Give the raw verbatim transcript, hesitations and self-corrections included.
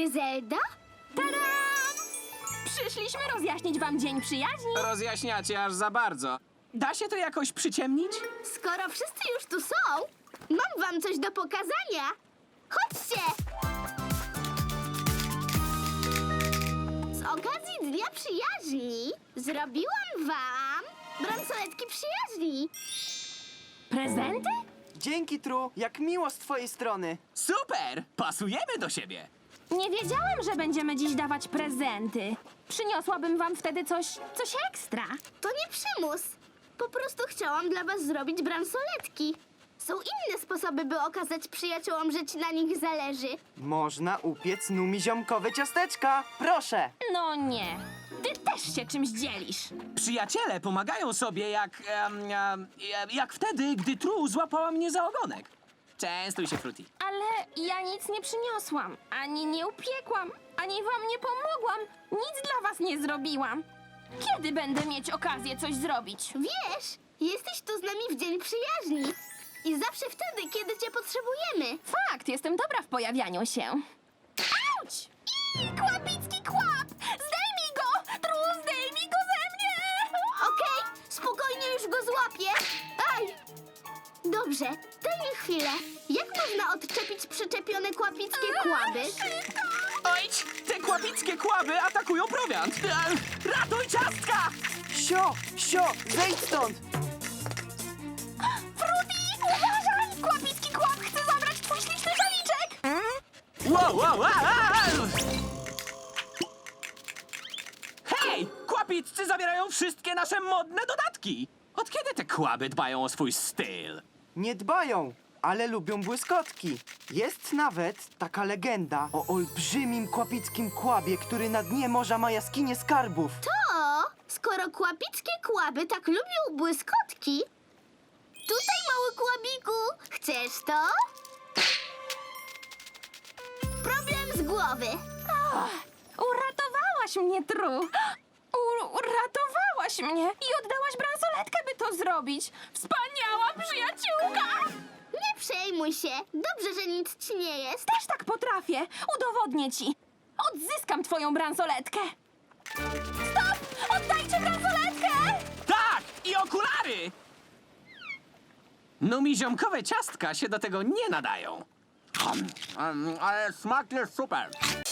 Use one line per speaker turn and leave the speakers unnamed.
Gryzelda?
Tadam! Przyszliśmy rozjaśnić wam Dzień Przyjaźni.
Rozjaśniacie aż za bardzo. Da się to jakoś przyciemnić?
Skoro wszyscy już tu są, mam wam coś do pokazania. Chodźcie! Z okazji Dnia Przyjaźni zrobiłam wam bransoletki przyjaźni.
Prezenty?
Dzięki, Tru, jak miło z twojej strony.
Super! Pasujemy do siebie.
Nie wiedziałem, że będziemy dziś dawać prezenty. Przyniosłabym wam wtedy coś, coś ekstra.
To nie przymus. Po prostu chciałam dla was zrobić bransoletki. Są inne sposoby, by okazać przyjaciołom, że ci na nich zależy.
Można upiec numiziomkowe ciasteczka. Proszę.
No nie. Ty też się czymś dzielisz.
Przyjaciele pomagają sobie jak... em, em, jak wtedy, gdy Tru złapała mnie za ogonek. Częstuj się, Fruity.
Ale ja nic nie przyniosłam. Ani nie upiekłam. Ani wam nie pomogłam. Nic dla was nie zrobiłam. Kiedy będę mieć okazję coś zrobić?
Wiesz, jesteś tu z nami w Dzień Przyjaźni. I zawsze wtedy, kiedy cię potrzebujemy.
Fakt, jestem dobra w pojawianiu się. Auć! I kłapicki kłap! Zdejmij go! Tru, zdejmij go ze mnie!
Okej, spokojnie, już go złapię. Aj! Dobrze, daj mi chwilę. Jak można odczepić przyczepione kłapickie kłaby?
Ojdź! Te kłapickie kłaby atakują prowiant! E, Ratuj ciastka!
Sio, sio, zejdź stąd.
Fruity, uważaj! Kłapicki kłap chce zabrać twój śliczny szaliczek!
Wow, wow, wow, wow! Hej! Kłapiccy zabierają wszystkie nasze modne dodatki! Od kiedy te kłaby dbają o swój styl?
Nie dbają, ale lubią błyskotki. Jest nawet taka legenda o olbrzymim kłapickim kłabie, który na dnie morza ma jaskinię skarbów.
To, skoro kłapickie kłaby tak lubią błyskotki... Tutaj, mały kłabiku, chcesz to? Problem z głowy.
Uratowałaś mnie, Tru! U uratowałaś mnie i oddałaś bransoletkę, by to zrobić! Wspaniała przyjaciółka!
Nie przejmuj się. Dobrze, że nic ci nie jest.
Też tak potrafię! Udowodnię ci! Odzyskam twoją bransoletkę! Stop! Oddajcie bransoletkę!
Tak! I okulary! Numiziomkowe ciastka się do tego nie nadają. Um, um, ale smak jest super.